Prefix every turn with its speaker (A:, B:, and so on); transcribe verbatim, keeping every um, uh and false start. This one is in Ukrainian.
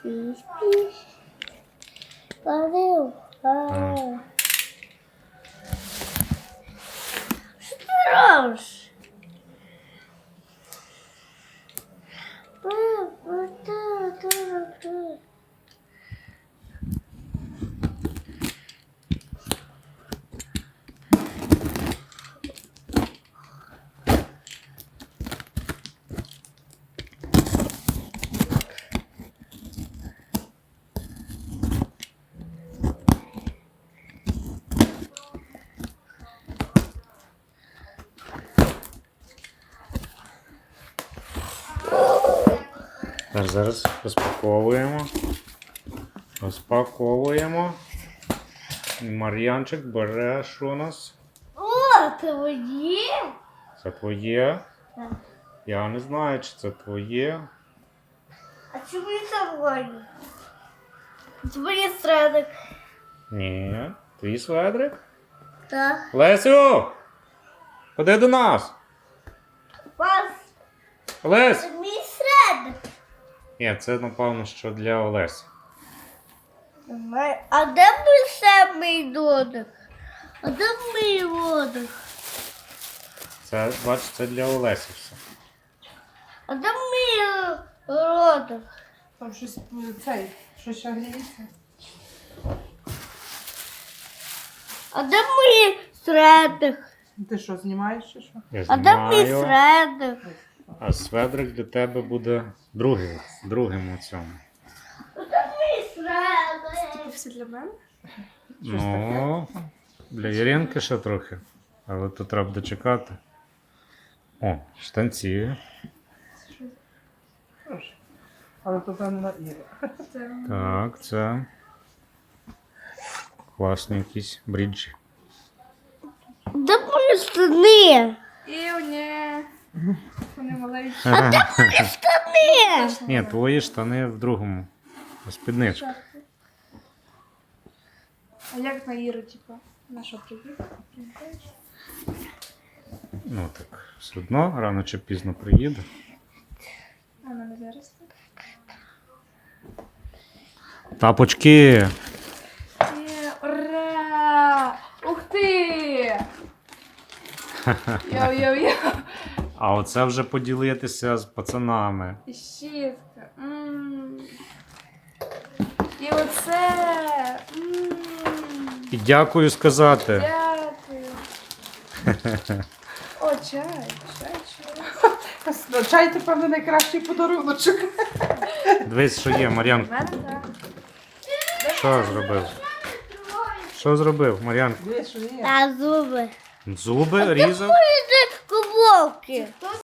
A: Спи, спи. Ловил. А. Что ты робишь?
B: Так, зараз розпаковуємо. Розпаковуємо. Мар'янчик бере, що у нас?
A: О, твоє?
B: Це твоє?
A: Так.
B: Я не знаю, чи це твоє.
A: А чому не твоє? Твоє страдок.
B: Ні. Твій сведрик?
A: Так.
B: Лесю! Ходи до нас!
A: Вас
B: Олесь!
A: мій страдок.
B: Ні, це напевно, що для Олесі.
A: А де мій самий додик? А де мій водик?
B: Це, бач, це для Олесі все.
A: А де мій родик?
C: Там щось цей, щось ще гріється.
A: А де мій страдок?
C: Ти що, знімаєш чи що?
B: Я
A: А де мій
B: знімаю.
A: страдок?
B: А сведрик для тебе буде другий, другим у цьому.
A: А де мій страдок?
C: Все для мене?
B: Ну, для Іринки ще трохи. Але тут треба дочекати. О, штанці.
C: Хорошо. Але то там на Іри.
B: Так, це класні якісь бріджі.
A: Де мої штани?
C: І ні. Вони маленькі.
A: Штани!
B: Ні, твої штани в другому. Спідничка.
C: А як на Іру, типу? На що приїхав?
B: Ну так, все одно, рано чи пізно приїде.
C: А вона не зараз.
B: Тапочки!
C: Є, ура! Ух ти! Йоу-йоу-йоу!
B: А оце вже поділитися з пацанами.
C: І щітка. М. І оце. М.
B: І дякую сказати.
C: Дякую. О, чай, чай, чай. Чай, ти, певно, найкращий подаруночок.
B: Дивись, що є,
C: У
B: Мар'янко.
C: мене так.
B: Що зробив? Що зробив, Мар'янко?
C: Дивись, що є.
A: Та зуби.
B: Зуби різав?
A: Кубовки.